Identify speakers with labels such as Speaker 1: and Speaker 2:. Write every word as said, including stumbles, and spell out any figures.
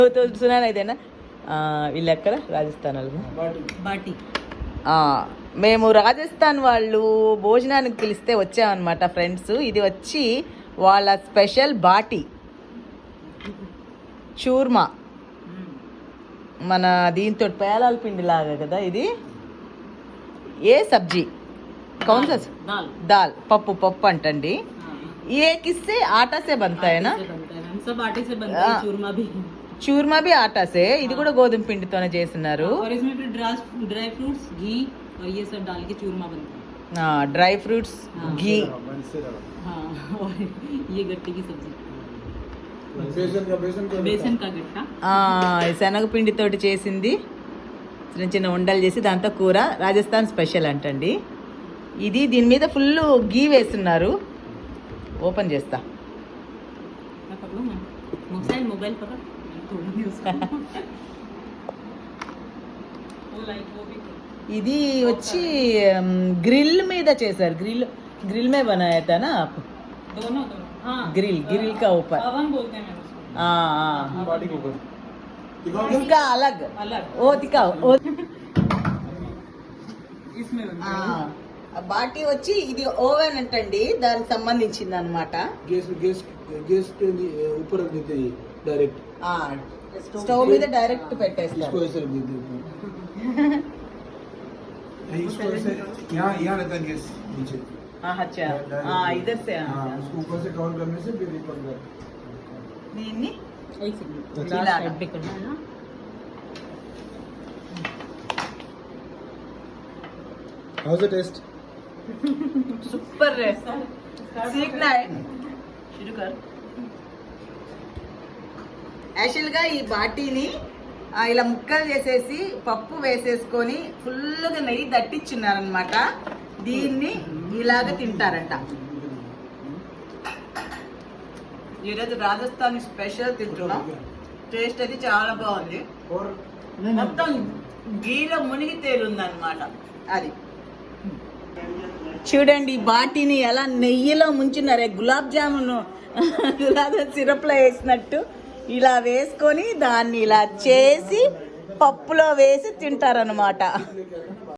Speaker 1: సునాన్ అయితేనా వీళ్ళు ఎక్కడ రాజస్థాన్ వాళ్ళు
Speaker 2: బాటి.
Speaker 1: మేము రాజస్థాన్ వాళ్ళు భోజనానికి పిలిస్తే వచ్చామన్నమాట ఫ్రెండ్స్. ఇది వచ్చి వాళ్ళ స్పెషల్ బాటి చూర్మా, మన దీంతో పేలాల పిండి లాగా కదా ఇది. ఏ సబ్జీ కౌన్ సా దాల్ పప్పు పప్పు అంటండి. ఏ కిస్సే ఆటా సే బంతా హై నా,
Speaker 2: सब आटे से बनता है चूरमा भी.
Speaker 1: చూర్మా బి ఆటా సే, ఇది కూడా గోధుమ పిండితోనే చేస్తున్నారు.
Speaker 2: और इसमें फिर ड्राई फ्रूट्स घी और ये सब डाल के चूरमा बनता है.
Speaker 1: డ్రై ఫ్రూట్స్ घी.
Speaker 2: हाँ और ये गट्टे की सब्जी
Speaker 3: बेसन का
Speaker 2: बेसन का गट्टा.
Speaker 1: శనగపిండితోటి చేసింది. చిన్న చిన్న ఉండలు చేసి దాంతో కూర. రాజస్థాన్ స్పెషల్ అంటండి ఇది. దీని మీద ఫుల్ గీ వేస్తున్నారు. ఓపెన్ చేస్తా.
Speaker 2: मोबाइल मोबाइल पकड़ थोड़ी उसको वो लाइक वो भी
Speaker 1: ఇది వచ్చి గ్రిల్ మీద చేశారు. గ్రిల్ గ్రిల్ మే బనాయా తా నా ఆప్
Speaker 2: दोनों दोनों. हाँ
Speaker 1: ग्रिल ग्रिल का ऊपर
Speaker 2: अवन बोलते हैं उसको.
Speaker 1: हाँ
Speaker 3: बाटी के ऊपर
Speaker 1: इसका अलग
Speaker 2: अलग
Speaker 1: ओ दिखाओ ओ
Speaker 2: इसमें बनता है.
Speaker 1: బాటి వచ్చి ఇది ఓవెన్ అంటండి, దానికి సంబంధించింది అనమాట.
Speaker 3: गैस गैस गैस के ऊपर रख देते हैं डायरेक्ट.
Speaker 1: స్టవ్ మీద డైరెక్ట్ పెట్టేస్తారు.
Speaker 3: इसको ऐसे रख देते हैं. इसको ऐसे यहाँ यहाँ रहता है गैस नीचे.
Speaker 1: అచ్చా ఇదర్ సే
Speaker 3: हाँ उसको ऊपर से कवर करने से फिर ऊपर कर.
Speaker 1: దీన్ని
Speaker 2: एक सेकंड
Speaker 1: इलाका।
Speaker 2: लास्ट साइड पे करना है ना.
Speaker 3: How's the taste?
Speaker 1: సూపర్ రే సీఖనా హై शुरू कर. యాక్చువల్గా ఈ బాటీని ఇలా ముక్కలు చేసేసి పప్పు వేసేసుకొని ఫుల్గా నెయ్యి దట్టించున్నారనమాట. దీన్ని ఇలాగ తింటారంట. ఈరోజు రాజస్థాన్ స్పెషల్ తింటున్నాం. టేస్ట్ అది చాలా బాగుంది.
Speaker 3: और
Speaker 1: మొత్తం గీలో మునిగి తేలుంది అనమాట. అది చూడండి బాటిని ఎలా నెయ్యిలో ముంచున్నారే. గులాబ్ జామున్ గులాబ్ సిరప్లో వేసినట్టు ఇలా వేసుకొని దాన్ని ఇలా చేసి పప్పులో వేసి తింటారనమాట.